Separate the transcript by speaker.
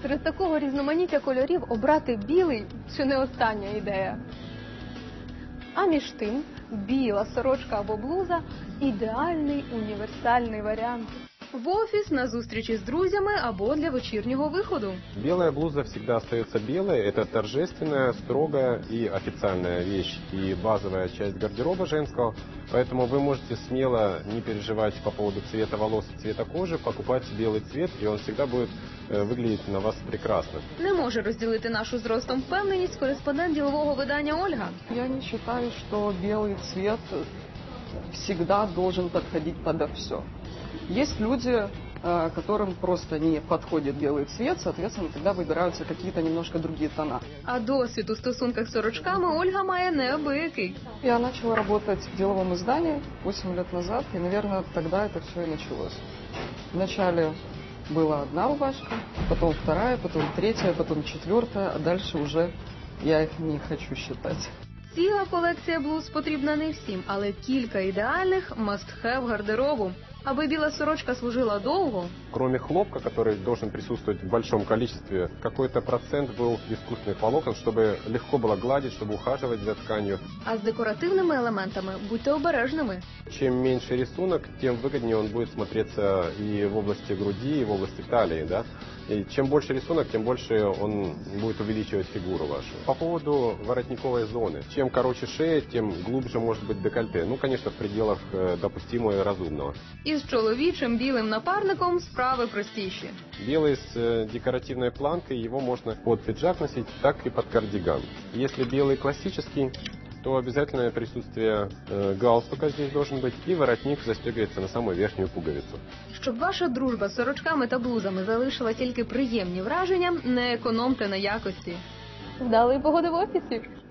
Speaker 1: Серед такого різноманіття кольорів обрати білий – чи не остання ідея. А між тим, біла сорочка або блуза – ідеальний універсальний варіант. В офіс, на зустрічі з друзями або для вечірнього виходу.
Speaker 2: Белая блуза всегда остается белой. Это торжественная, строгая и официальная вещь и базовая часть гардероба женского. Поэтому вы можете смело не переживать по поводу цвета волос и цвета кожи, покупать белый цвет, и он всегда будет выглядеть на вас прекрасно.
Speaker 1: Не може розділити нашу з ростом впевненість кореспондент ділового видання Ольга.
Speaker 3: Я не считаю, что белый цвет всегда должен подходить подо все. Есть люди, которым просто не подходит белый цвет, соответственно, тогда выбираются какие-то немножко другие тона.
Speaker 1: А досвід у стосунках з сорочками Ольга має неабиякий.
Speaker 3: Я начала работать в деловом издании 8 лет назад, и, наверное, тогда это все и началось. Вначале была одна рубашка, потом вторая, потом третья, потом четвертая, а дальше уже я их не хочу считать.
Speaker 1: Ціла колекція блуз потрібна не всім, але кілька ідеальних must-have гардеробу. Аби біла сорочка служила довго,
Speaker 2: Кроме хлопка, который должен присутствовать в большом количестве, какой-то процент был искусственных волокон, чтобы легко было гладить, чтобы ухаживать за тканью.
Speaker 1: а з декоративними елементами будьте обережними.
Speaker 2: Чем меньше рисунок, тем выгоднее он будет смотреться и в области груди, и в области талии, да. И чем больше рисунок, тем больше он будет увеличивать фигуру вашу. По поводу воротниковой зоны. Чем короче шея, тем глубже может быть декольте. Ну, конечно, в пределах допустимого и разумного.
Speaker 1: Із чоловічим білим напарником справи простіші.
Speaker 2: Белый с декоративной планкой, его можно под пиджак носить, так и под кардиган. Если белый классический, то обязательное присутствие галстука здесь должен быть, и воротник застегивается на самую верхнюю пуговицу.
Speaker 1: Щоб ваша дружба з сорочками та блузами залишила тільки приємні враження, не економте на якості. Вдалої погоди в офісі!